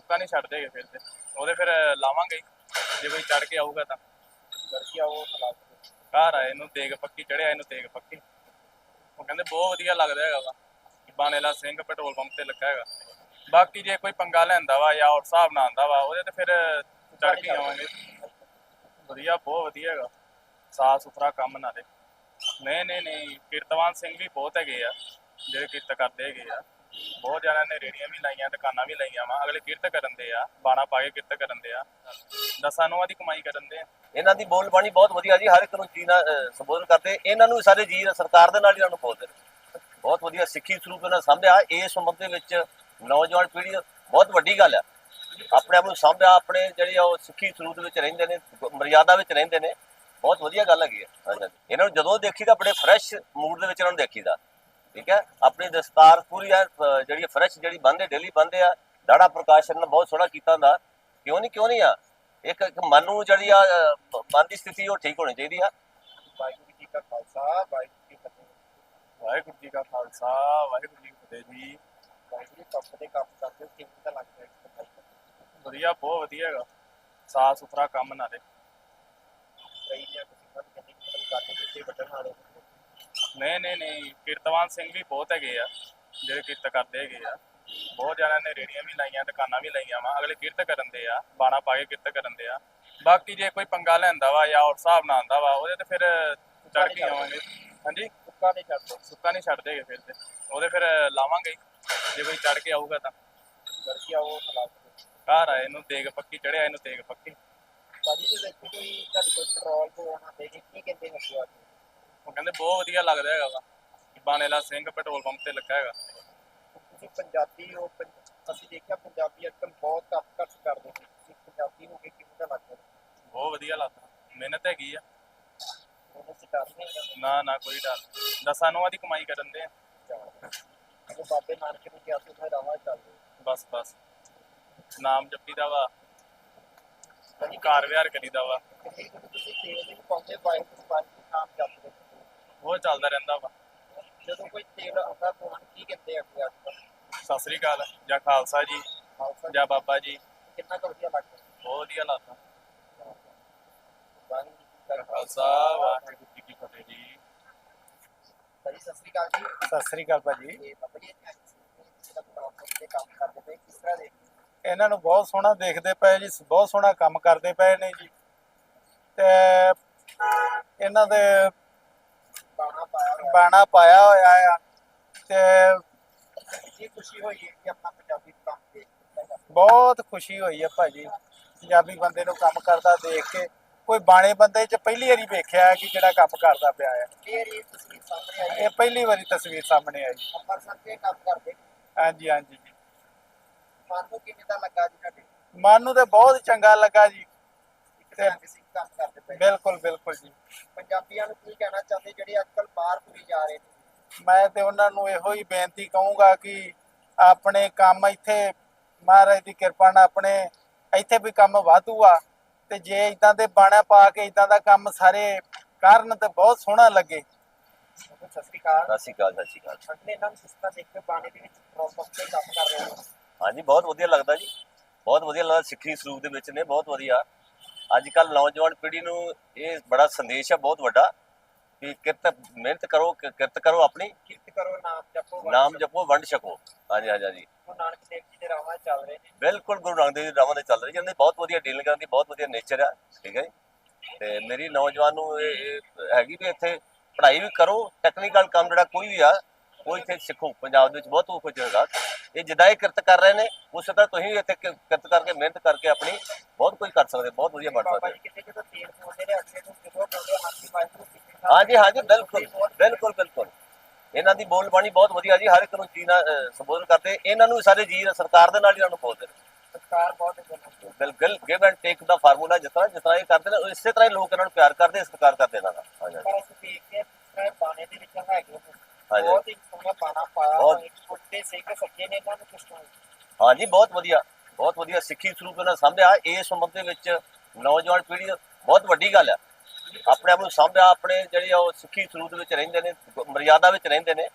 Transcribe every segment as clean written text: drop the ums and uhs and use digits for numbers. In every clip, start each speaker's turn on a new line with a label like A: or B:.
A: ਸੁੱਕਾ ਨਹੀਂ ਛੱਡ ਦੇਗੇ ਫਿਰ ਤੇ ਉਹਦੇ ਫਿਰ ਲਾਵਾਂਗੇ ਹੀ। ਜੇ ਕੋਈ ਚੜ ਕੇ ਆਊਗਾ ਤਾਂ
B: ਲੜਕੀ ਆਓ ਖਿਲਾ
A: ਘਰ ਆਏ ਇਹਨੂੰ ਤੇਗ ਪੱਕੀ ਚੜਿਆ ਇਹਨੂੰ ਤੇਗ ਪੱਕੀ। ਉਹ ਕਹਿੰਦੇ ਬਹੁਤ ਵਧੀਆ ਲੱਗਦਾ ਹੈਗਾ ਵਾ ਬਾਣੇਲਾ ਸਿੰਘ ਪੈਟਰੋਲ ਪੰਪ ਤੇ ਲੱਗਾ ਹੈਗਾ। ਬਾਕੀ ਜੇ ਕੋਈ ਪੰਗਾ ਲੈਂਦਾ ਵਾ ਜਾਂ ਹੋਰ ਹਿਸਾਬ ਨਾਲ ਆਉਂਦਾ ਵਾ ਉਹਦੇ ਤੇ ਫਿਰ ਚੜ ਕੇ ਆਵਾਂਗੇ। ਵਧੀਆ ਬਹੁਤ ਵਧੀਆ ਹੈਗਾ ਸਾਫ ਸੁਥਰਾ ਕੰਮ ਨਾਲੇ। ਨਹੀਂ ਕੀਰਤਵਾਨ ਸਿੰਘ ਵੀ ਬਹੁਤ ਹੈਗੇ ਆ ਜਿਹੜੇ ਕਿਰਤ ਕਰਦੇ ਹੈਗੇ ਆ। ਬਹੁਤ ਜਣਿਆਂ ਨੇ ਰੇੜੀਆਂ ਵੀ ਲਾਈਆਂ ਦੁਕਾਨਾਂ ਵੀ ਲਾਈਆਂ ਵਾ ਅਗਲੇ ਕਿਰਤ ਕਰਨ ਦੇ ਆ ਬਾਣਾ ਪਾ ਕੇ ਕਿਰਤ ਕਰਨ ਦੇ ਆ ਦਸਾਂ ਨੂੰਹਾਂ ਦੀ ਕਮਾਈ ਕਰਨ ਦੇ ਆ।
C: ਇਹਨਾਂ ਦੀ ਬੋਲ ਬਾਣੀ ਬਹੁਤ ਵਧੀਆ ਜੀ ਹਰ ਇੱਕ ਨੂੰ ਜੀ ਨਾਲ ਸੰਬੋਧਨ ਕਰਦੇ ਇਹਨਾਂ ਨੂੰ ਸਾਰੇ ਜੀ ਸਰਕਾਰ ਦੇ ਨਾਲ ਇਹਨਾਂ ਨੂੰ ਬੋਲਦੇ ਨੇ ਬਹੁਤ ਵਧੀਆ ਸਿੱਖੀ ਸਰੂਪ ਇਹਨਾਂ ਸਾਂਭਿਆ। ਇਸ ਉਮਰ ਦੇ ਵਿੱਚ ਨੌਜਵਾਨ ਪੀੜ੍ਹੀ ਬਹੁਤ ਵੱਡੀ ਗੱਲ ਆ ਆਪਣੇ ਆਪ ਨੂੰ ਸਾਂਭਿਆ ਆਪਣੇ ਜਿਹੜੇ ਉਹ ਸਿੱਖੀ ਸਰੂਪ ਦੇ ਵਿੱਚ ਰਹਿੰਦੇ ਨੇ ਮਰਿਆਦਾ ਵਿੱਚ ਰਹਿੰਦੇ ਨੇ ਬਹੁਤ ਵਧੀਆ ਗੱਲ ਹੈਗੀ ਆ। ਇਹਨਾਂ ਨੂੰ ਜਦੋਂ ਦੇਖੀਦਾ ਬੜੇ ਫਰੈਸ਼ ਮੂਡ ਦੇ ਵਿੱਚ ਇਹਨਾਂ ਨੂੰ ਦੇਖੀਦਾ ਠੀਕ ਹੈ। ਆਪਣੀ ਦਸਤਾਰ ਪੂਰੀ ਆ ਜਿਹੜੀ ਫਰੈਸ਼ ਜਿਹੜੀ ਬੰਨ੍ਹਦੇ ਡੇਲੀ ਬੰਨ੍ਹਦੇ ਆ ਦਾੜਾ ਪ੍ਰਕਾਸ਼ਨ ਬਹੁਤ ਸੋਹਣਾ ਕੀਤਾ ਹੁੰਦਾ ਕਿਉਂ ਨਹੀਂ ਆ ਇੱਕ ਮਨ ਨੂੰ ਜਿਹੜੀ ਆ ਮਨ ਦੀ ਸਥਿਤੀ ਉਹ ਠੀਕ ਹੋਣੀ ਚਾਹੀਦੀ ਆ।
B: ਵਾਹਿਗੁਰੂ ਜੀ ਕਾ ਖਾਲਸਾ ਵਾਹਿਗੁਰੂ ਜੀ ਕੀ ਫਤਿਹ।
A: ਵਾਹਿਗੁਰੂ ਜੀ ਕਾ ਖਾਲਸਾ ਵਾਹਿਗੁਰੂ ਜੀ ਕੀ ਫਤਿਹ ਜੀ।
B: ਵਾਹਿਗੁਰੂ ਪੰਪ ਦੇ ਕੰਮ ਕਰਦੇ ਹੋ ਕਿਵੇਂ ਦਾ ਲੱਗਦਾ ਹੈ?
A: ਵਧੀਆ ਬਹੁਤ ਵਧੀਆ ਹੈਗਾ ਸਾਫ ਸੁਥਰਾ ਕੰਮ ਨਾਲੇ।
B: ਸਹੀ ਹੈ ਤੁਸੀਂ ਸਾਨੂੰ ਕਿੰਨੀ ਮਦਦ ਕਰਦੇ ਕਿਤੇ ਵੱਡਣ ਵਾਲੇ
A: ਨਹੀਂ ਕੀਰਤਵਾਨ ਸਿੰਘ ਵੀ ਬਹੁਤ ਹੈਗੇ ਆ ਜਿਹੜੇ ਕਿਰਤ ਕਰਦੇ ਹੈਗੇ ਆ। ਬਹੁਤ ਜਣਿਆਂ ਨੇ ਰੇੜੀਆਂ ਵੀ ਲਾਈਆਂ ਦੁਕਾਨਾਂ ਵੀ ਲਾਈਆਂ ਵਾ ਅਗਲੇ ਕਿਰਤ ਕਰਨ ਦੇ ਆ ਬਾਣਾ ਪਾ ਕੇ ਕਿਰਤ ਕਰਨ ਦੇ ਆ। ਬਾਕੀ ਜੇ ਕੋਈ ਪੰਗਾ ਲੈਂਦਾ ਵਾ ਜਾਂ ਹੋਰ ਹਿਸਾਬ ਨਾਲ ਆਉਂਦਾ ਵਾ ਉਹਦੇ ਤੇ ਫਿਰ ਚੜ ਕੇ ਆਵਾਂਗੇ। ਹਾਂਜੀ
B: ਸੁੱਕਾ ਨਹੀਂ ਛੱਡਦੇ
A: ਸੁੱਕਾ ਨਹੀਂ ਛੱਡ ਦੇਗੇ ਫਿਰ ਤੇ ਉਹਦੇ ਫਿਰ ਲਾਵਾਂਗੇ ਹੀ। ਜੇ ਕੋਈ ਚੜ ਕੇ ਆਊਗਾ ਤਾਂ
B: ਲੜਕੀ ਆਓ ਖਿਲਾ
A: ਘਰ ਆਏ ਇਹਨੂੰ ਤੇਗ ਪੱਕੀ ਚੜਿਆ ਇਹਨੂੰ ਤੇਗ ਪੱਕੀ।
B: ਭਾਜੀ ਜੇ ਦੇਖੋ ਕੋਈ ਤੁਹਾਡੇ ਕੋਲ ਪੈਟਰੋਲ ਪਵਾਉਣਾ ਦੇ ਕੀ ਕਹਿੰਦੇ ਨੇ ਸੁਆ ਕੇ?
A: ਉਹ ਕਹਿੰਦੇ ਬਹੁਤ ਵਧੀਆ ਲੱਗਦਾ ਹੈਗਾ ਵਾ ਬਾਣੇਲਾ ਸਿੰਘ ਪੈਟਰੋਲ ਪੰਪ ਤੇ ਲੱਗਾ ਹੈਗਾ।
B: ਤੁਸੀਂ ਪੰਜਾਬੀ ਹੋ ਅਸੀਂ ਦੇਖਿਆ ਪੰਜਾਬੀ ਅੱਜਕੱਲ ਬਹੁਤ ਘੱਟ ਕਰਦੇ ਨੇ ਤੁਸੀਂ ਪੰਜਾਬੀ ਹੋ ਕੇ ਕਿਵੇਂ ਦਾ ਲੱਗਦਾ?
A: ਬਹੁਤ ਵਧੀਆ ਲੱਗਦਾ ਮਿਹਨਤ ਹੈਗੀ ਆ।
B: ਉਹਨੂੰ ਅਸੀਂ ਡਰ ਨਹੀਂ ਹੈਗਾ
A: ਨਾ ਕੋਈ ਡਰ ਦਸਾਂ ਨੂੰਹਾਂ ਦੀ ਕਮਾਈ ਕਰਨ ਦੇ ਆ।
B: ਜਦੋਂ ਬਾਬੇ ਨਾਨਕ ਨੇ ਕਿਹਾ ਸੀ ਉਹਨੇ ਰਾਵਾਂ ਚੱਲਦੇ
A: ਬਸ ਨਾਮ ਜਪੀ ਦਾ ਵਾ ਘਰ ਵਿਹਾਰ ਕਰੀਦਾ ਵਾ
B: ਤੁਸੀਂ ਤੇਲ ਵੀ ਪਾਉਂਦੇ ਵਾਹਿਗੁਰੂ ਵਾਹਿਗੁਰੂ ਨਾਮ ਜਪਦੇ
A: ਉਹ ਚੱਲਦਾ ਰਹਿੰਦਾ ਵਾ।
B: ਜਦੋਂ ਕੋਈ ਤੇਲ ਆਉਂਦਾ ਪਵਾਉਣ ਕੀ ਕਹਿੰਦੇ ਆ ਅੱਗੇ ਅੱਜ
A: ਸਤਿ ਸ੍ਰੀ ਅਕਾਲ ਜਾਂ ਖਾਲਸਾ ਜੀ
B: ਖਾਲਸਾ
A: ਜਾਂ ਬਾਬਾ ਜੀ
B: ਕਿੰਨਾ ਕੁ ਵਧੀਆ ਲੱਗਦਾ?
A: ਬਹੁਤ ਵਧੀਆ ਲੱਗਦਾ।
B: ਵਾਹਿਗੁਰੂ ਜੀ ਕਾ
A: ਖਾਲਸਾ ਵਾਹਿਗੁਰੂ ਜੀ ਕੀ ਫਤਿਹ ਜੀ।
B: ਭਾਜੀ ਸਤਿ ਸ੍ਰੀ ਅਕਾਲ ਜੀ।
D: ਸਤਿ ਸ੍ਰੀ ਅਕਾਲ ਭਾਜੀ।
B: ਤੇ ਬਾਬਾ ਜੀ ਜਿਹੜਾ ਪੈਟਰੋਲ ਪੰਪ ਤੇ ਕੰਮ ਕਰਦੇ ਪਏ ਕਿਸ ਤਰ੍ਹਾਂ ਦੇ?
D: ਇਹਨਾਂ ਨੂੰ ਬਹੁਤ ਸੋਹਣਾ ਦੇਖਦੇ ਪਏ ਜੀ ਬਹੁਤ ਸੋਹਣਾ ਕੰਮ ਕਰਦੇ ਪਏ ਨੇ ਜੀ ਤੇ ਇਹਨਾਂ ਦੇ
B: ਬਾਣਾ ਪਾਇਆ ਹੋਇਆ
D: ਬਾਣਾ ਪਾਇਆ ਹੋਇਆ ਆ ਤੇ
B: ਕੀ ਖੁਸ਼ੀ ਹੋਈ ਹੈ ਕਿ ਆਪਣਾ ਪੰਜਾਬੀ ਕੰਮ ਦੇਖ ਕੇ
D: ਬਹੁਤ ਖੁਸ਼ੀ ਹੋਈ ਹੈ ਭਾਜੀ ਪੰਜਾਬੀ ਬੰਦੇ ਨੂੰ ਕੰਮ ਕਰਦਾ ਦੇਖ ਕੇ। ਕੋਈ ਬਾਣੇ ਬੰਦੇ 'ਚ ਪਹਿਲੀ ਵਾਰੀ ਵੇਖਿਆ ਕਿ ਜਿਹੜਾ ਕੰਮ ਕਰਦਾ ਪਿਆ ਹੈ।
B: ਫੇਰ ਇਹ ਤਸਵੀਰ ਸਾਹਮਣੇ ਆਈ
D: ਇਹ ਪਹਿਲੀ ਵਾਰੀ ਤਸਵੀਰ ਸਾਹਮਣੇ ਆਈ।
B: ਅੰਮ੍ਰਿਤਸਰ ਤੇ ਕੰਮ ਕਰਦੇ
D: ਹਾਂਜੀ ਜੀ
B: ਮਨ ਨੂੰ ਕਿਵੇਂ ਦਾ ਲੱਗਾ ਜੀ ਤੁਹਾਡੇ?
D: ਮਨ ਨੂੰ ਤੇ ਬਹੁਤ ਚੰਗਾ ਲੱਗਾ ਜੀ।
B: ਤੇ ਕਿਸੇ ਕੰਮ ਕਰਦੇ ਪਏ
D: ਬਿਲਕੁਲ ਜੀ।
B: ਪੰਜਾਬੀਆਂ ਨੂੰ ਕੀ ਕਹਿਣਾ ਚਾਹੁੰਦੇ ਜਿਹੜੇ ਅੱਜਕੱਲ ਬਾਹਰ ਤੁਰੇ ਜਾ ਰਹੇ ਨੇ?
D: ਮੈਂ ਤੇ ਉਹਨਾਂ ਨੂੰ ਇਹੋ ਹੀ ਬੇਨਤੀ ਕਹੂੰਗਾ ਕਿ ਆਪਣੇ ਕੰਮ ਇੱਥੇ ਮਹਾਰਾਜ ਦੀ ਕਿਰਪਾ ਨਾਲ ਆਪਣੇ ਇੱਥੇ ਵੀ ਕੰਮ ਵਾਧੂ ਆ ਤੇ ਜੇ ਇਦਾਂ ਦੇ ਬਾਣਾ ਪਾ ਕੇ ਇਦਾਂ ਦਾ ਕੰਮ ਸਾਰੇ ਕਰਨ ਤੇ ਬਹੁਤ ਸੋਹਣਾ ਲੱਗੇ।
B: ਸਤਿ ਸ੍ਰੀ ਅਕਾਲ।
C: ਸਤਿ ਸ਼੍ਰੀ ਅਕਾਲ
B: ਅਗਲੇ ਇਹਨਾਂ ਨੂੰ ਕਿਸ ਤਰ੍ਹਾਂ ਦੇਖ ਕੇ ਬਾਣੇ ਦੇ ਵਿੱਚ ਪੈਟਰੋਲ ਪੰਪ ਤੇ ਕੰਮ ਕਰ ਰਹੇ ਹੋ?
C: ਹਾਂਜੀ ਬਹੁਤ ਵਧੀਆ ਲੱਗਦਾ ਜੀ ਬਹੁਤ ਵਧੀਆ ਲੱਗਦਾ ਸਿੱਖੀ ਸਰੂਪ ਦੇ ਵਿੱਚ ਨੇ ਬਹੁਤ ਵਧੀਆ। ਅੱਜ ਕੱਲ੍ਹ ਨੌਜਵਾਨ ਪੀੜ੍ਹੀ ਨੂੰ ਇਹ ਬੜਾ ਸੰਦੇਸ਼ ਹੈ ਬਹੁਤ ਵੱਡਾ ਕਿ ਮਿਹਨਤ ਕਰੋ ਆਪਣੀ
B: ਕਿਰਤ ਕਰੋ
C: ਨਾਮ ਜਪੋ ਵੰਡ ਛਕੋ। ਹਾਂਜੀ
B: ਗੁਰੂ ਨਾਨਕ ਦੇਵ ਜੀ ਦੇ ਰਾਹਾਂ ਚੱਲ ਰਹੇ ਨੇ।
C: ਬਿਲਕੁਲ ਗੁਰੂ ਨਾਨਕ ਦੇਵ ਜੀ ਰਾਵਾਂ ਦੇ ਚੱਲ ਰਹੀ ਜਾਂਦੇ ਬਹੁਤ ਵਧੀਆ ਡੀਲਿੰਗ ਕਰਨ ਦੀ ਬਹੁਤ ਵਧੀਆ ਨੇਚਰ ਆ ਠੀਕ ਹੈ ਜੀ। ਤੇ ਮੇਰੀ ਨੌਜਵਾਨ ਨੂੰ ਇਹ ਹੈਗੀ ਵੀ ਇੱਥੇ ਪੜ੍ਹਾਈ ਵੀ ਕਰੋ ਟੈਕਨੀਕਲ ਕੰਮ ਜਿਹੜਾ ਕੋਈ ਵੀ ਆ ਉਹ ਇੱਥੇ ਸਿੱਖੋ। ਪੰਜਾਬ ਦੇ ਵਿੱਚ ਬਹੁਤ ਕੁਝ ਹੈਗਾ ਇਹ ਜਿੱਦਾਂ ਇਹ ਕਿਰਤ ਕਰ ਰਹੇ ਨੇ ਉਸੇ ਤਰ੍ਹਾਂ ਤੁਸੀਂ ਇੱਥੇ ਕਿਰਤ ਕਰਕੇ ਮਿਹਨਤ ਕਰਕੇ ਆਪਣੀ ਬਹੁਤ ਕੁਝ ਕਰ ਸਕਦੇ ਬਹੁਤ ਵਧੀਆ ਬਣ ਸਕਦੇ।
B: ਕਿਤੇ ਕਿਤੇ ਤੇਲ ਪਾਉਂਦੇ ਨੇ ਅੱਗੇ ਤੋਂ ਜਦੋਂ ਪਾਉਂਦੇ ਹਾਥੀ ਵਾਹਿਗੁਰੂ
C: ਹਾਂਜੀ ਬਿਲਕੁਲ ਇਹਨਾਂ ਦੀ ਬੋਲ ਬਾਣੀ ਬਹੁਤ ਵਧੀਆ ਜੀ ਹਰ ਇੱਕ ਨੂੰ ਜੀ ਨਾਲ ਸੰਬੋਧਨ ਕਰਦੇ ਇਹਨਾਂ ਨੂੰ ਸਾਰੇ ਜੀ ਸਰਕਾਰ ਦੇ ਨਾਲ ਇਹਨਾਂ ਨੂੰ ਬੋਲਦੇ ਨੇ।
B: ਸਰਕਾਰ ਬਹੁਤ
C: ਬਿਲਕੁਲ ਗਿਵ ਐਂਡ ਟੇਕ ਦਾ ਫਾਰਮੂਲਾ ਜਿਸ ਤਰ੍ਹਾਂ ਇਹ ਕਰਦੇ ਨੇ ਇਸੇ ਤਰ੍ਹਾਂ ਹੀ ਲੋਕ ਇਹਨਾਂ ਨੂੰ ਪਿਆਰ ਕਰਦੇ ਸਤਿਕਾਰ ਕਰਦੇ ਇਹਨਾਂ ਦਾ।
B: ਪਰ ਅਸੀਂ ਦੇਖਦੇ ਹਾਂ ਬਾਣੇ ਦੇ ਵਿੱਚ ਹੈਗੇ ਬਹੁਤ ਹੀ ਸੋਹਣਾ ਬਾਣਾ ਪਾਇਆ ਹੋਇਆ ਛੋਟੇ ਸਿੰਘ ਸੱਜੇ ਨੇ ਇਹਨਾਂ ਨੂੰ ਕਿਸ ਤਰ੍ਹਾਂ?
C: ਹਾਂਜੀ ਬਹੁਤ ਵਧੀਆ ਸਿੱਖੀ ਸਰੂਪ ਇਹਨਾਂ ਸਾਂਭਿਆ। ਇਸ ਉਮਰ ਦੇ ਵਿੱਚ ਨੌਜਵਾਨ ਪੀੜ੍ਹੀ ਬਹੁਤ ਵੱਡੀ ਗੱਲ ਆ ਆਪਣੇ ਆਪ ਨੂੰ ਸਾਂਭਿਆ ਆਪਣੇ ਜਿਹੜੇ ਉਹ ਸਿੱਖੀ ਸਰੂਪ ਦੇ ਵਿੱਚ ਰਹਿੰਦੇ ਨੇ ਮਰਿਆਦਾ ਵਿੱਚ ਰਹਿੰਦੇ ਨੇ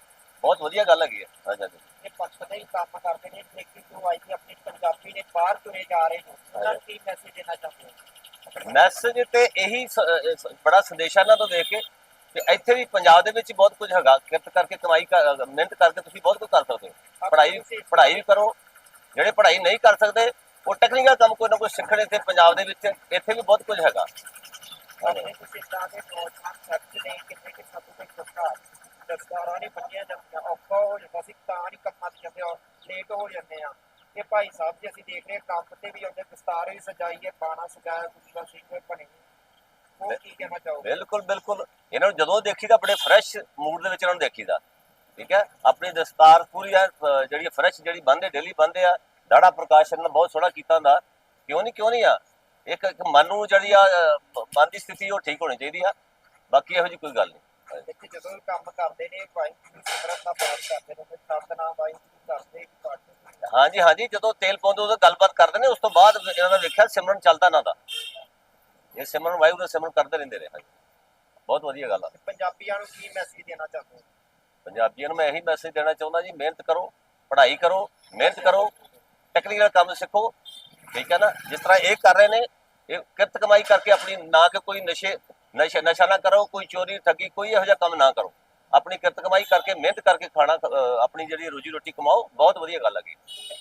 C: ਬਹੁਤ ਵਧੀਆ ਗੱਲ ਹੈਗੀ ਹੈ। ਹਾਂਜੀ ਹਾਂਜੀ
B: ਇਹ ਪੰਪ ਦੇ ਹੀ ਕੰਮ ਕਰਦੇ ਨੇ ਲੇਕਿਨ ਜੋ ਆਈ ਆਪਣੀ ਪੰਜਾਬੀ ਨੇ ਬਾਹਰ ਤੁਰੇ ਜਾ ਰਹੇ ਨੇ ਉਹਨਾਂ ਨੂੰ ਕੀ ਮੈਸੇਜ ਦੇਣਾ ਚਾਹੁੰਦੇ ਹੋ?
C: ਮੈਸੇਜ ਤੇ ਇਹੀ ਬੜਾ ਸੰਦੇਸ਼ ਹੈ ਇਹਨਾਂ ਤੋਂ ਦੇਖ ਕੇ ਕਿ ਇੱਥੇ ਵੀ ਪੰਜਾਬ ਦੇ ਵਿੱਚ ਹੀ ਬਹੁਤ ਕੁਝ ਹੈਗਾ। ਕਿਰਤ ਕਰਕੇ ਕਮਾਈ ਮਿਹਨਤ ਕਰਕੇ ਤੁਸੀਂ ਬਹੁਤ ਕੁਝ ਕਰ ਸਕਦੇ ਹੋ। ਪੜ੍ਹਾਈ ਵੀ ਕਰੋ। ਜਿਹੜੇ ਪੜ੍ਹਾਈ ਨਹੀਂ ਕਰ ਸਕਦੇ ਉਹ ਟੈਕਨੀਕਲ ਕੰਮ ਕੋਈ ਨਾ ਕੋਈ ਸਿੱਖਣ ਇੱਥੇ ਪੰਜਾਬ ਦੇ ਵਿੱਚ ਇੱਥੇ ਵੀ ਬਹੁਤ ਕੁਝ ਹੈਗਾ।
B: ਆਪਣੇ ਤੁਸੀਂ ਤਾਂ ਦੇ ਨੌਜਵਾਨ ਸੱਚ ਨੇ ਕਿੰਨੇ ਕਿ ਸਭ ਤੋਂ ਸਰਕਾਰ ਦਸਤਾਰਾਂ ਨਹੀਂ ਬੰਨੀਆਂ ਜਾਂਦੀਆਂ ਔਖਾ ਹੋ ਜਾਂਦਾ ਸੀ ਤਾਂ ਨਹੀਂ ਕੰਮਾਂ ਤੇ ਜਾਂਦੇ ਔਰ ਲੇਟ ਹੋ ਜਾਂਦੇ ਆ। ਇਹ ਭਾਈ ਸਾਹਿਬ ਜੀ ਅਸੀਂ ਦੇਖ ਰਹੇ ਕੰਮ ਤੇ ਵੀ ਆਉਂਦੇ ਦਸਤਾਰ ਵੀ ਸਜਾਈ ਹੈ ਬਾਣਾ ਸਜਾਇਆ ਗੁਰੂਆ ਸਿੰਘ ਬਣੇ ਉਹ ਕੀ ਕਹਿਣਾ ਚਾਹੋਗੇ?
C: ਬਿਲਕੁਲ ਬਿਲਕੁਲ ਇਹਨਾਂ ਨੂੰ ਜਦੋਂ ਦੇਖੀਦਾ ਬੜੇ ਫਰੈਸ਼ ਮੂਡ ਦੇ ਵਿੱਚ ਇਹਨਾਂ ਨੂੰ ਦੇਖੀਦਾ। ਠੀਕ ਹੈ ਆਪਣੀ ਦਸਤਾਰ ਪੂਰੀ ਆ ਜਿਹੜੀ ਫਰੈਸ਼ ਜਿਹੜੀ ਬੰਨ੍ਹਦੇ ਡੇਲੀ ਬੰਨ੍ਹਦੇ ਆ। ਦਾੜਾ ਪ੍ਰਕਾਸ਼ਨ ਨੇ ਬਹੁਤ ਸੋਹਣਾ ਕੀਤਾ ਹੁੰਦਾ। ਕਿਉਂ ਨਹੀਂ ਆ ਇੱਕ ਮਨ ਨੂੰ ਜਿਹੜੀ ਆ ਮਨ ਦੀ ਸਥਿਤੀ ਉਹ ਠੀਕ ਹੋਣੀ ਚਾਹੀਦੀ ਆ। ਬਾਕੀ ਇਹੋ ਜਿਹੀ ਕੋਈ ਗੱਲ ਨਹੀਂ।
B: ਇੱਥੇ ਜਦੋਂ ਵੀ ਕੰਮ ਕਰਦੇ ਨੇ ਵਾਹਿਗੁਰੂ ਸਿਮਰਨ ਦਾ ਪਾਠ ਕਰਦੇ ਨੇ ਸਤਨਾਮ ਵਾਹਿਗੁਰੂ ਕਰਦੇ ਵੀ ਪਾਠ।
C: ਹਾਂਜੀ ਜਦੋਂ ਤੇਲ ਪਾਉਂਦੇ ਉਦੋਂ ਗੱਲਬਾਤ ਕਰਦੇ ਨੇ। ਉਸ ਤੋਂ ਬਾਅਦ ਇਹਨਾਂ ਦਾ ਵੇਖਿਆ ਸਿਮਰਨ ਚੱਲਦਾ ਨਾ ਦਾ ਇਹ ਸਿਮਰਨ ਵਾਹਿਗੁਰੂ ਦਾ ਸਿਮਰਨ ਕਰਦੇ ਰਹਿੰਦੇ ਰਹੇ। ਹਾਂਜੀ ਬਹੁਤ ਵਧੀਆ ਗੱਲ ਆ।
B: ਪੰਜਾਬੀਆਂ ਨੂੰ ਕੀ ਮੈਸੇਜ ਦੇਣਾ ਚਾਹੁੰਦੇ ਹੋ?
C: ਪੰਜਾਬੀਆਂ ਨੂੰ ਮੈਂ ਇਹੀ ਮੈਸੇਜ ਦੇਣਾ ਚਾਹੁੰਦਾ ਜੀ ਮਿਹਨਤ ਕਰੋ ਪੜ੍ਹਾਈ ਕਰੋ ਮਿਹਨਤ ਕਰੋ ਟੈਕਨੀਕਲ ਕੰਮ ਸਿੱਖੋ। ਠੀਕ ਹੈ ਨਾ ਜਿਸ ਤਰ੍ਹਾਂ ਇਹ ਕਰ ਰਹੇ ਨੇ ਇਹ ਕਿਰਤ ਕਮਾਈ ਕਰਕੇ ਆਪਣੀ ਨਾ ਕਿ ਕੋਈ ਨਸ਼ਾ ਨਾ ਕਰੋ ਕੋਈ ਚੋਰੀ ਠੱਗੀ ਕੋਈ ਇਹੋ ਜਿਹਾ ਕੰਮ ਨਾ ਕਰੋ। ਆਪਣੀ ਕਿਰਤ ਕਮਾਈ ਕਰਕੇ ਮਿਹਨਤ ਕਰਕੇ ਖਾਣਾ ਆਪਣੀ ਜਿਹੜੀ ਰੋਜੀ ਰੋਟੀ ਕਮਾਓ। ਬਹੁਤ ਵਧੀਆ ਗੱਲ ਹੈਗੀ।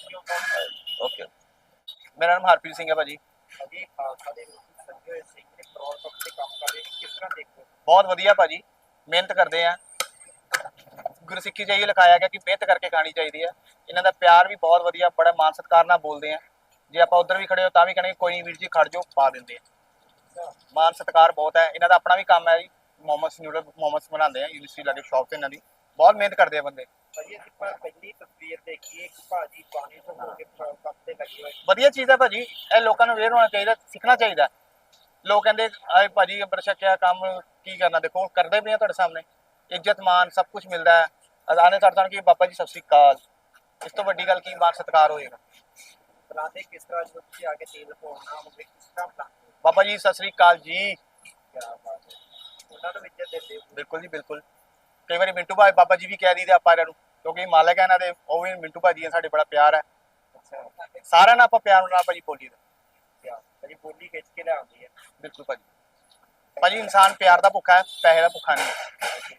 C: ਓਕੇ
E: ਮੇਰਾ ਨਾਮ ਹਰਪ੍ਰੀਤ ਸਿੰਘ ਹੈ ਭਾਜੀ।
B: ਅਜੀ ਖਾਲਸਾ ਦੇ ਵਿੱਚ ਸੰਜੇ ਹੋਏ ਸਿੰਘ ਨੇ ਪ੍ਰੋਰ ਪੱਖ ਤੇ ਕੰਮ ਕਰ ਰਹੇ ਨੇ ਕਿਸ ਤਰ੍ਹਾਂ ਦੇਖੋ?
E: ਬਹੁਤ ਵਧੀਆ ਭਾਜੀ ਮਿਹਨਤ ਕਰਦੇ ਆ। ਗੁਰਸਿੱਖੀ 'ਚ ਇਹ ਲਿਖਾਇਆ ਗਿਆ ਕਿ ਮਿਹਨਤ ਕਰਕੇ ਖਾਣੀ ਚਾਹੀਦੀ ਹੈ। ਇਹਨਾਂ ਦਾ ਪਿਆਰ ਵੀ ਬਹੁਤ ਵਧੀਆ ਬੜਾ ਮਾਨ ਸਤਿਕਾਰ ਨਾਲ ਬੋਲਦੇ ਆ। ਜੇ ਆਪਾਂ ਉਧਰ ਵੀ ਖੜੇ ਹੋ ਤਾਂ ਵੀ ਕਹਿੰਦੇ ਕੋਈ ਨਹੀਂ ਵੀਰ ਜੀ ਖੜ ਜਾਓ ਪਾ ਦਿੰਦੇ ਆ। ਮਾਨ ਸਤਿਕਾਰ ਬਹੁਤ ਹੈ। ਇਹਨਾਂ ਦਾ ਆਪਣਾ ਵੀ ਕੰਮ ਹੈ ਜੀ ਮੋਮੋਸ ਨਿਊਡਲ ਮੋਮੋਸ ਬਣਾਉਂਦੇ ਆ ਯੂਨੀਵਰਸਿਟੀ ਲਾਗੇ ਸ਼ਾਪ ਤੇ ਇਹਨਾਂ ਦੀ ਬਹੁਤ ਮਿਹਨਤ ਕਰਦੇ ਆ ਬੰਦੇ।
B: ਭਾਜੀ ਅਸੀਂ ਪਹਿਲੀ ਤਸਵੀਰ ਦੇਖੀਏ ਕਿ ਭਾਜੀ ਬਾਣੇ ਤੋਂ ਹੋ ਕੇ ਕੰਮ ਤੇ ਲੱਗੇ ਹੋਏ।
E: ਵਧੀਆ ਚੀਜ਼ ਹੈ ਭਾਜੀ ਇਹ ਲੋਕਾਂ ਨੂੰ ਅਵੇਅਰ ਹੋਣਾ ਚਾਹੀਦਾ ਸਿੱਖਣਾ ਚਾਹੀਦਾ। ਲੋਕ ਕਹਿੰਦੇ ਆਏ ਭਾਜੀ ਅੰਬਰ ਛਕਿਆ ਕੰਮ ਕੀ ਕਰਨਾ ਦੇਖੋ ਕਰਦੇ ਵੀ ਆ ਤੁਹਾਡੇ ਸਾਹਮਣੇ ਇੱਜ਼ਤ ਮਾਨ ਸਭ ਕੁਝ ਮਿਲਦਾ ਹੈ। ਅਦਾਨੇ ਤੁਹਾਡੇ ਕਿ ਬਾਬਾ ਜੀ ਸਤਿ ਸ੍ਰੀ ਅਕਾਲ ਇਸ ਤੋਂ ਵੱਡੀ ਗੱਲ ਕੀ ਮਾਨ ਸਤਿਕਾਰ ਹੋਏਗਾ।
B: ਬੁਲਾਉਂਦੇ ਕਿਸ ਤਰ੍ਹਾਂ ਜਦੋਂ ਤੁਸੀਂ ਆ ਕੇ ਤੇਲ ਪਾਉਣਾ ਹੋਵੇ ਕਿਸ ਤਰ੍ਹਾਂ ਬੁਲਾਉਂਦੇ?
E: ਬਾਬਾ ਜੀ ਸਤਿ ਸ੍ਰੀ ਅਕਾਲ ਜੀ।
B: ਕਿਆ ਬਾਤ ਹੈ ਉਹਨਾਂ ਨੂੰ ਇੱਜ਼ਤ ਦਿੰਦੇ ਹੋ।
E: ਬਿਲਕੁਲ ਜੀ ਬਿਲਕੁਲ ਕਈ ਵਾਰੀ ਮਿੰਟੂ ਭਾਈ ਬਾਬਾ ਜੀ ਵੀ ਕਹਿ ਦਈਦੇ ਆਪਾਂ ਇਹਨਾਂ ਨੂੰ ਕਿਉਂਕਿ ਮਾਲਕ ਹੈ ਇਹਨਾਂ ਦੇ ਉਹ ਵੀ ਮਿੰਟੂ ਭਾਜੀ ਹੈ ਸਾਡੇ ਬੜਾ ਪਿਆਰ ਹੈ।
B: ਅੱਛਾ
E: ਸਾਰਿਆਂ ਨਾਲ ਆਪਾਂ ਪਿਆਰ ਨਾਲ ਭਾਜੀ ਬੋਲੀ ਦਾ।
B: ਕਿਆ ਭਾਜੀ ਬੋਲੀ ਖਿੱਚ ਕੇ ਲਿਆਉਂਦੀ ਹੈ।
E: ਬਿਲਕੁਲ ਭਾਜੀ ਇਨਸਾਨ ਪਿਆਰ ਦਾ ਭੁੱਖਾ ਹੈ ਪੈਸੇ ਦਾ ਭੁੱਖਾ ਨਹੀਂ।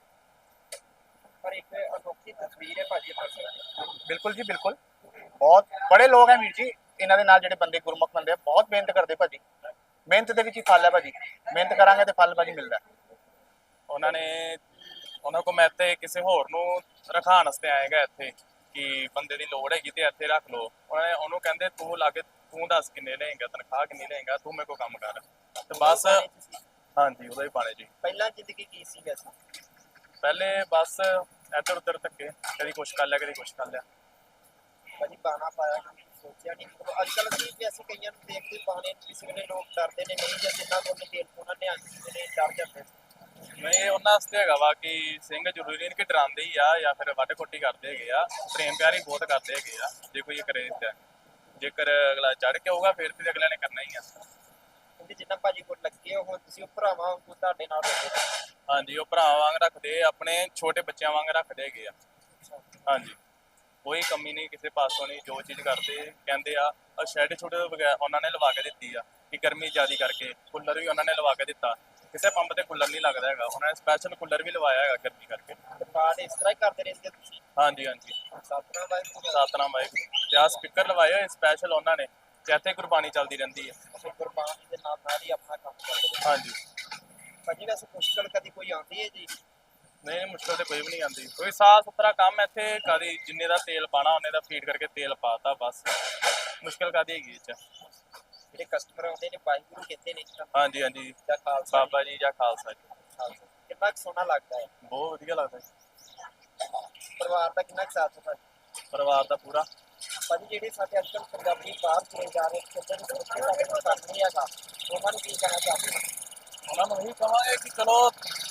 B: ਪਰ ਇੱਕ ਅਨੋਖੀ ਤਸਵੀਰ ਹੈ ਭਾਜੀ
E: ਬਿਲਕੁਲ ਜੀ ਬਿਲਕੁਲ ਬਹੁਤ ਬੜੇ ਲੋਕ ਹੈ ਵੀਰ ਜੀ ਇਹਨਾਂ ਦੇ ਨਾਲ ਜਿਹੜੇ ਬੰਦੇ ਗੁਰਮੁਖ ਬੰਦੇ ਆ ਬਹੁਤ ਮਿਹਨਤ ਕਰਦੇ ਭਾਜੀ। ਮਿਹਨਤ ਦੇ ਵਿੱਚ ਹੀ ਫਲ ਹੈ ਭਾਜੀ ਮਿਹਨਤ ਕਰਾਂਗੇ ਤੇ ਫਲ ਭਾਜੀ ਮਿਲਦਾ।
A: ਉਹਨਾਂ ਕੋਲ ਮੈਂ ਇੱਥੇ ਕਿਸੇ ਹੋਰ ਨੂੰ ਰਖਾਉਣ ਵਾਸਤੇ ਆਏਗਾ ਇੱਥੇ ਕਿ ਬੰਦੇ ਦੀ ਲੋੜ ਹੈਗੀ ਤੇ ਇੱਥੇ ਰੱਖ ਲਓ। ਉਹਨੂੰ ਕਹਿੰਦੇ ਤੂੰ ਲਾਗੇ ਤੂੰ ਦੱਸ ਕਿੰਨੇ ਲਏਗਾ ਤਨਖਾਹ ਕਿੰਨੀ ਲਏਗਾ ਤੂੰ ਮੇਰੇ ਕੋਲ ਕੰਮ ਕਰ ਤੇ ਬਸ। ਹਾਂਜੀ ਉਹਦਾ ਹੀ ਪਾਣੇ ਜੀ।
B: ਪਹਿਲਾਂ ਜ਼ਿੰਦਗੀ ਕੀ ਸੀ ਵੈਸੇ?
A: ਪਹਿਲੇ ਬਸ ਇੱਧਰ ਉੱਧਰ ਧੱਕੇ ਕਦੀ ਕੁਛ ਕਰ ਲਿਆ ਕਦੀ ਕੁਛ ਕਰ ਲਿਆ।
B: ਭਾਜੀ ਬਾਣਾ ਪਾਇਆ ਸੋਚਿਆ ਨਹੀਂ ਅੱਜ ਕੱਲ੍ਹ ਅਸੀਂ ਵੀ ਅਸੀਂ ਕਈਆਂ ਨੂੰ ਦੇਖਦੇ ਬਾਣੇ ਕਿਸੇ ਵੇਲੇ ਲੋਕ ਡਰਦੇ ਨੇ ਨਹੀਂ ਜਾਂ ਜਿੰਨਾ ਕੋਲ ਤੇਲ ਉਹਨਾਂ ਨੇ ਨੇ ਡਰ ਜਾਂਦੇ।
A: ਨਹੀਂ ਉਹਨਾਂ ਵਾਸਤੇ ਹੈਗਾ ਵਾ ਕਿ ਸਿੰਘ ਜ਼ਰੂਰੀ ਨਹੀਂ ਕਿ ਡਰਾਉਂਦੇ ਹੀ ਆ ਜਾਂ ਫਿਰ ਵੱਢ ਕੁੱਟੀ ਕਰਦੇ ਹੈਗੇ ਆ। ਪ੍ਰੇਮ ਪਿਆਰ ਹੀ ਬਹੁਤ ਕਰਦੇ ਹੈਗੇ ਆ ਜੇ ਕੋਈ ਕਰੇ ਤਾਂ। ਜੇਕਰ ਅਗਲਾ ਚੜ ਕੇ ਹੋਊਗਾ ਫਿਰ ਤੇ ਅਗਲੇ ਨੇ ਕਰਨਾ ਹੀ ਆ।
B: ਕਿਉਂਕਿ ਜਿੰਨਾ ਭਾਜੀ ਕੋਲ ਲੱਗੇ ਹੋ ਤੁਸੀਂ ਉਹ ਭਰਾਵਾਂ ਵਾਂਗੂ ਤੁਹਾਡੇ ਨਾਲ ਰੱਖਦੇ।
A: ਹਾਂਜੀ ਉਹ ਭਰਾ ਵਾਂਗ ਰੱਖਦੇ ਆਪਣੇ ਛੋਟੇ ਬੱਚਿਆਂ ਵਾਂਗ ਰੱਖਦੇ ਹੈਗੇ ਆ। ਹਾਂਜੀ ਕੋਈ ਕਮੀ ਨਹੀਂ ਕਿਸੇ ਪਾਸੋਂ ਨਹੀਂ ਜੋ ਚੀਜ਼ ਕਰਦੇ ਕਹਿੰਦੇ ਆ। ਸ਼ੈਡ ਛੋਟੇ ਉਹਨਾਂ ਨੇ ਲਵਾ ਕੇ ਦਿੱਤੀ ਆ ਕਿ ਗਰਮੀ ਜ਼ਿਆਦਾ ਕਰਕੇ ਕੂਲਰ ਵੀ ਉਹਨਾਂ ਨੇ ਲਵਾ ਕੇ ਦਿੱਤਾ। ਕਿਸੇ ਪੰਪ ਤੇ ਕੂਲਰ ਨਹੀਂ ਲੱਗਦਾ ਹੈਗਾ ਉਹਨਾਂ ਨੇ ਸਪੈਸ਼ਲ ਕੂਲਰ ਵੀ ਲਵਾਇਆ ਹੈਗਾ ਗਰਮੀ ਕਰਕੇ।
B: ਪਾਠ ਇਸ ਤਰ੍ਹਾਂ ਹੀ ਕਰਦੇ ਰਹਿੰਦੇ ਤੁਸੀਂ?
A: ਹਾਂਜੀ
B: ਸਤਨਾਮ ਵਾਹਿਗੁਰੂ
A: ਸਤਨਾਮ ਵਾਹਿਗੁਰੂ ਤੇ ਆਹ ਸਪੀਕਰ ਲਵਾਏ ਹੋਏ ਸਪੈਸ਼ਲ ਉਹਨਾਂ ਨੇ ਤੇ ਇੱਥੇ ਗੁਰਬਾਣੀ ਚੱਲਦੀ ਰਹਿੰਦੀ ਹੈ।
B: ਗੁਰਬਾਣੀ ਦੇ ਨਾਲ ਨਾਲ ਹੀ ਆਪਣਾ ਕੰਮ ਕਰਦੇ।
A: ਹਾਂਜੀ
B: ਭਾਜੀ ਵੈਸੇ ਮੁਸ਼ਕਲ ਕਦੀ ਕੋਈ ਆਉਂਦੀ ਹੈ ਜੀ?
A: ਨਹੀਂ ਮੁਸ਼ਕਲ ਤੇ ਕੋਈ ਵੀ ਨਹੀਂ ਆਉਂਦੀ ਕੋਈ ਸਾਫ ਸੁਥਰਾ ਕੰਮ ਇੱਥੇ ਕਦੀ ਜਿੰਨੇ ਦਾ ਤੇਲ ਪਾਣਾ ਉਹਨੇ ਦਾ ਫੀਡ ਕਰਕੇ ਤੇਲ ਪਾਤਾ ਬਸ। ਮੁਸ਼ਕਲ ਕਾਦੀ ਹੈਗੀ ਇਹ 'ਚ?
B: ਜਿਹੜੇ ਕਸਟਮਰ ਆਉਂਦੇ ਨੇ ਵਾਹਿਗੁਰੂ ਕਹਿੰਦੇ ਨੇ
A: ਹਾਂਜੀ
B: ਜਾਂ ਖਾਲਸਾ
A: ਬਾਬਾ ਜੀ ਜਾਂ ਖਾਲਸਾ ਜੀ।
B: ਕਿੰਨਾ ਕੁ ਸੋਹਣਾ ਲੱਗਦਾ ਹੈ?
A: ਬਹੁਤ ਵਧੀਆ ਲੱਗਦਾ ਜੀ।
B: ਪਰਿਵਾਰ ਦਾ ਕਿੰਨਾ ਕੁ ਸਾਥ ਹੈ?
A: ਪਰਿਵਾਰ ਦਾ ਪੂਰਾ।
B: ਭਾਜੀ ਜਿਹੜੇ ਸਾਡੇ ਅੱਜ ਕੱਲ੍ਹ ਪੰਜਾਬੀ ਬਾਹਰ ਚਲੇ ਜਾ ਰਹੇ ਕਹਿੰਦੇ ਨੇ ਉੱਥੇ ਸਾਡੇ ਕੋਲ ਕੰਮ ਨਹੀਂ ਹੈਗਾ ਉਹਨਾਂ ਨੂੰ ਕੀ ਕਹਿਣਾ ਚਾਹੁੰਦੇ ਹੋ?
A: ਉਹਨਾਂ ਨੂੰ ਇਹੀ ਕਹਾਂਗੇ ਕਿ ਚਲੋ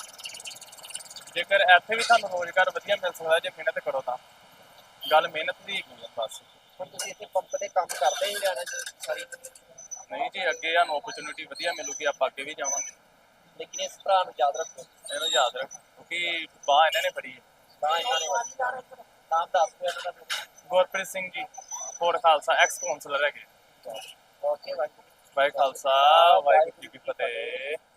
A: ਜੇਕਰ ਇੱਥੇ ਵੀ ਤੁਹਾਨੂੰ ਰੋਜ਼ਗਾਰ ਵਧੀਆ ਮਿਲ ਸਕਦਾ ਜੇ ਮਿਹਨਤ ਕਰੋ ਤਾਂ। ਗੱਲ ਮਿਹਨਤ ਦੀ ਹੈਗੀ ਆ ਬਸ।
B: ਹੁਣ ਤੁਸੀਂ ਇੱਥੇ ਪੰਪ ਤੇ ਕੰਮ ਕਰਦੇ ਹੀ ਰਹਿਣਾ ਸਾਰੀ।
A: ਨਹੀਂ ਜੀ ਅੱਗੇ ਸਾਨੂੰ ਓਪਰਚੁਨਿਟੀ ਵਧੀਆ ਮਿਲੂਗੀ ਆਪਾਂ ਅੱਗੇ ਵੀ ਜਾਵਾਂਗੇ।
B: ਲੇਕਿਨ ਇਸ ਭਰਾ ਨੂੰ ਯਾਦ ਰੱਖੋ
A: ਇਹਨੂੰ ਯਾਦ ਰੱਖੋ ਕਿਉਂਕਿ ਬਾਂਹ ਇਹਨਾਂ ਨੇ ਫੜੀ ਹੈ।
B: ਤਾਂ ਇਹਨਾਂ ਨੇ ਨਾਮ ਦੱਸ ਦਿਓ ਇਹਨਾਂ ਦਾ।
A: ਗੁਰਪ੍ਰੀਤ ਸਿੰਘ ਜੀ, ਕੋਟ ਖਾਲਸਾ, ਐਕਸ ਕਾਉਂਸਲਰ ਹੈਗੇ।
B: Okay bye.
A: ਵਾਹਿ ਖਾਲਸਾ ਵਾਹਿਗੁਰੂ ਜੀ ਕੀ ਫਤਿਹ।